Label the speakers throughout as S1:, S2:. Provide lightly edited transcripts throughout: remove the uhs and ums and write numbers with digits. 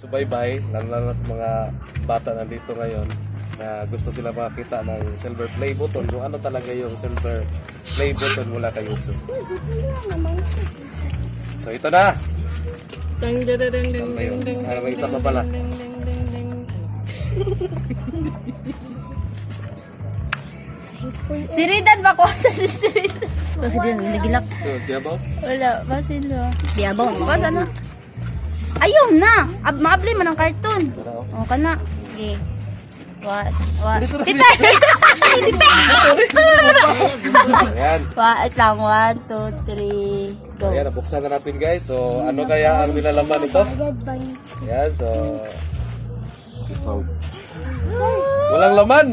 S1: subaybay, lalo na mga bata nandito ngayon na gusto sila makakita ng silver play button, kung ano talaga yung silver play button mula kay YouTube. So ito na!
S2: Ding ding ding ding
S1: Saan ba yun?
S2: ding
S1: Ah, may isa pa pala.
S2: ding ding ding ding.
S3: Si Ridan ba ko sa si Ridan? Oh, si Ridan nagilak.
S1: Ito, diyabaw?
S3: Wala, basin do. Diabaw mo ka sana. Ayaw na. Maabli man ang cartoon. Oh, kana. Okay. What? Peter!
S1: Ayan.
S3: Wait lang. 1, 2, 3, go.
S1: Ayan, nabuksan na natin guys. So, ano kaya ang nilalaman ito? Ayan, so... Walang laman!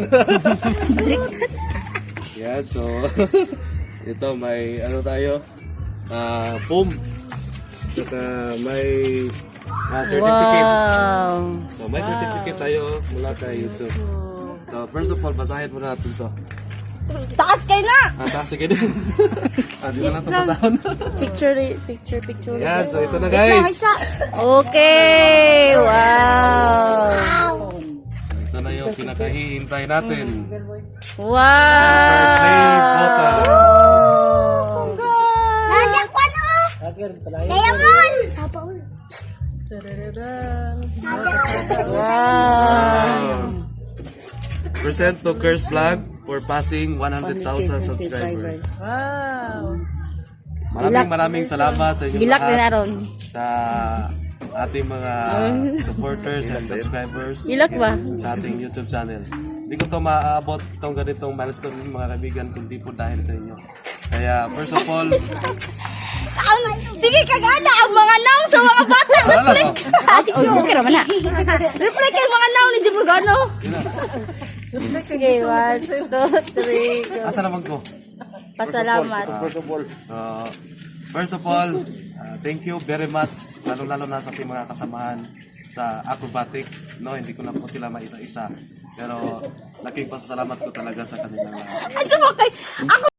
S1: Ayan, so... ito, may ano tayo? Boom! Tsaka may certificate.
S3: Wow.
S1: So, may certificate tayo mula kay YouTube. So, first of all, basahin muna natin to.
S3: Taas kayo na!
S1: Sige din. Di na natin basahon.
S3: Picture.
S1: Ayan, so ito na guys.
S3: Okay. Wow.
S1: Ito na yung pinakahihintay natin.
S3: Wow.
S1: Play button.
S3: Wow.
S1: Present to Curse Vlog for passing 100,000 subscribers.
S2: Wow.
S1: Maraming salamat sa inyo
S3: Gilak na
S1: lahat,
S3: naron.
S1: sa ating mga supporters and subscribers
S3: Gilak ba?
S1: sa ating YouTube channel. Hindi ko to maaabot itong ganitong milestone mga kaibigan kundi po dahil sa inyo. Kaya first of all,
S3: Sige, kagana ang mga naw sa mga bata.
S1: wala lang.
S3: Oh, okay naman na. Reply kayo mga naw ni Jibugano. Okay, 1, 2, 3, go.
S1: Asa naman ko?
S3: Pasalamat.
S1: First of all, thank you very much, lalo-lalo na sa ating mga kasamahan sa acrobatic. No, hindi ko na po sila maisa-isa. Pero laking pasasalamat ko talaga sa kanila.
S3: Asa mo kay ako